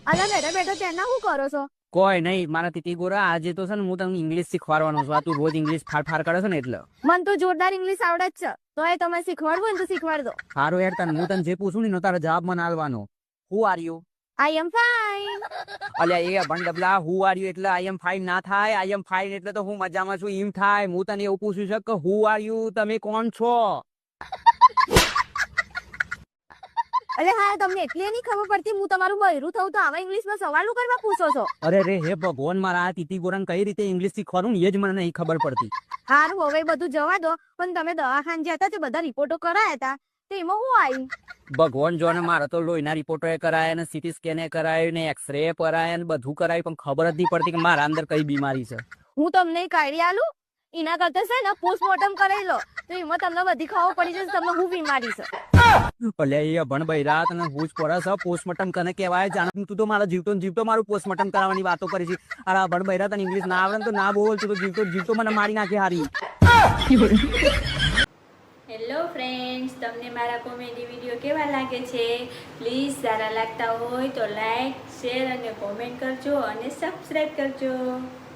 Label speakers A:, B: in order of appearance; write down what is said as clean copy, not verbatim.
A: અલા બેઠા બેઠા તેના શું કરો છો?
B: કોઈ નહીં મારા તીતી ગોરા, આજે તો છે ને હું તમને ઇંગ્લિશ શીખવાડવાનો છું. આ તું રોજ ઇંગ્લિશ ફાડ કરે છે ને એટલે.
A: મને તો જોરદાર ઇંગ્લિશ આવડે જ છે, તો એ તમે શીખવાડવું હોય ને તો શીખવાડ દો.
B: સારું યાર, તને હું તને જે પૂછું ને એનો તારો જવાબ મને આલવાનો. Who are you?
A: I am fine.
B: અલ્યા એ ભણ ડબલા, હુ આર યુ એટલે આઈ એમ ફાઇન ના થાય. આઈ એમ ફાઇન એટલે તો હું મજામાં છું એમ થાય. હું તને એવું પૂછું છું કે હુ આર યુ, તમે કોણ છો?
A: એટલે હા, તમને એટલી નહીં ખબર પડતી હું તમારું બૈરું થયું તો આવા ઇંગ્લિશમાં સવાલો કરવા પૂછો છો?
B: અરે રે હે ભગવાન, મારા આ તીતી ગોરાને કઈ રીતે ઇંગ્લિશ શીખવાનું ને એ જ મને નહીં ખબર પડતી.
A: હારું, હવે બધું જવા દો. પણ તમે દવાખાને જ્યાં હતા તે બધા રિપોર્ટો કરાયા હતા, તો એમાં શું આવ્યું?
B: ભગવાન જો ને, મારા તો લોહીના રિપોર્ટો એ કરાયા ને સીટી સ્કેન એ કરાયું ને એક્સરે કરાયા ને બધું કરાયું, પણ ખબર જ નહીં પડતી કે મારા અંદર કઈ બીમારી છે.
A: હું તમને એક આઈડિયા આલું, એના કરતા છે ને પોસ્ટમોર્ટમ કરાવી લો, તો એમાં તમને બધી ખબર પડી જશે તમને શું બીમારી છે.
B: અલ્યા એ અભણ બૈરા તને હું જ પડે છે પોસ્ટમોર્ટમ કને કહેવાય? જાણ તું તો મારા જીવતો ને જીવતો મારું પોસ્ટમોર્ટમ કરાવવાની વાતો કરી છે. અરે અભણ બૈરા, તને ઇંગ્લિશ ના આવડે ને તો ના બોલ, તું તો જીવતો ને જીવતો મને મારી નાખે હારી.
C: હેલો ફ્રેન્ડ્સ, તમને મારા કોમેડી વિડીયો કેવા લાગે છે? પ્લીઝ સારા લાગતા હોય તો લાઈક, શેર અને કોમેન્ટ કરજો અને સબસ્ક્રાઈબ કરજો.